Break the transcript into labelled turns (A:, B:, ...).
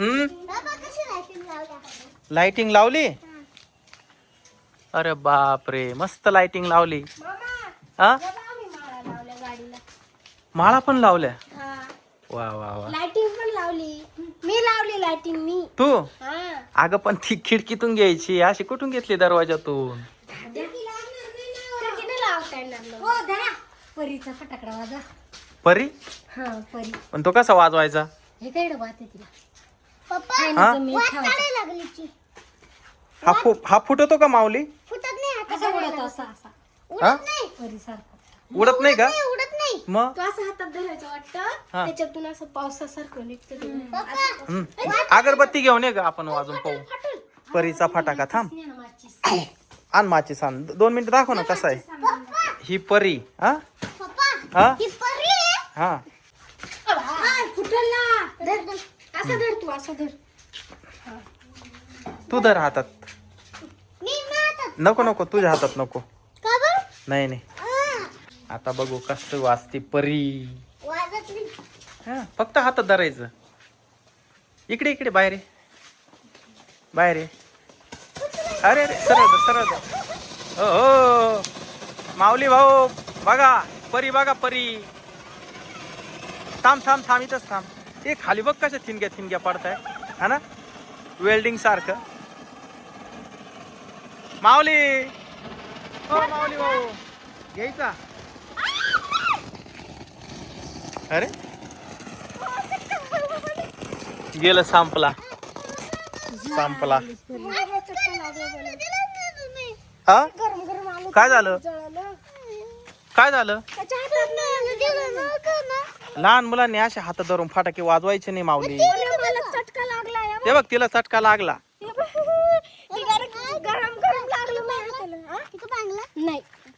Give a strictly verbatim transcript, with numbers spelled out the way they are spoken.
A: हम्म लाइटिंग लावली. अरे बाप रे मस्त लाइटिंग लावली. हा माळा पण लावल्या. वा वा वा
B: लाइटिंग पण लावली. मी लावली लाइटिंग मी.
A: तू
B: हा
A: अगं पण ती खिडकीतून घ्यायची अशी कुठून घेतली दरवाजातून.
B: हो धरा परीचा फटाकडा वाजा.
A: परी
B: हा परी.
A: पण तो कसा वाजवायचा.
B: हे काय डबा आहे तिला.
A: हा?
B: पप्पा लागली.
A: हा फु हा फुटतो का माऊली.
B: फुटत नाही आता. असा उडत असा असा.
A: हा
B: उडत नाही. परी सारखा.
A: उडत नाही का.
B: उडत नाही.
A: मग
B: तो असं हातात धरायचं वाटतं. त्याच्यातून असं पावसासारखं निघतं ते.
A: हम्म. अगरबत्ती घेऊन ये ग आपण वाजून पाहू. परीचा फटाका थांब आण माचीस आण. दोन मिनिटं दाखव ना कसा आहे ही परी. हा हा
B: ही परी आहे.
A: हा
B: फुटल ना. धर धर. असं धर तू असं धर.
A: तू धर हातात.
B: मी हातात.
A: नको नको तुझ्या हातात नको.
B: का बरं?
A: नाही नाही आता बघू कसं वाजते परी.
B: वाजत नाही.
A: हा फक्त हातात धरायचं. इकडे इकडे बाहेर ये. बाहेर ये. अरे अरे सरळ धर, सरळ धर. हो हो माऊली भाऊ बघा परी बघा परी. थांब थांब थांब इथंच थांब. हे खाली बघ कशा थिनग्या थिनग्या पडताय हा ना वेल्डिंग सारखं. माऊली हो माऊली भाऊ घ्यायचा. अरे गेलं संपला संपला. हा
B: गरम गरम आलं.
A: काय झालं
B: जळालं.
A: काय झालं.
B: त्याच्या हातात नाही.
A: लहान मुलांनी असे हात धरून फटाके वाजवायचे नाही माऊली.
B: मला चटका लागला.
A: ते बघ तिला चटका लागला.
B: गरम गरम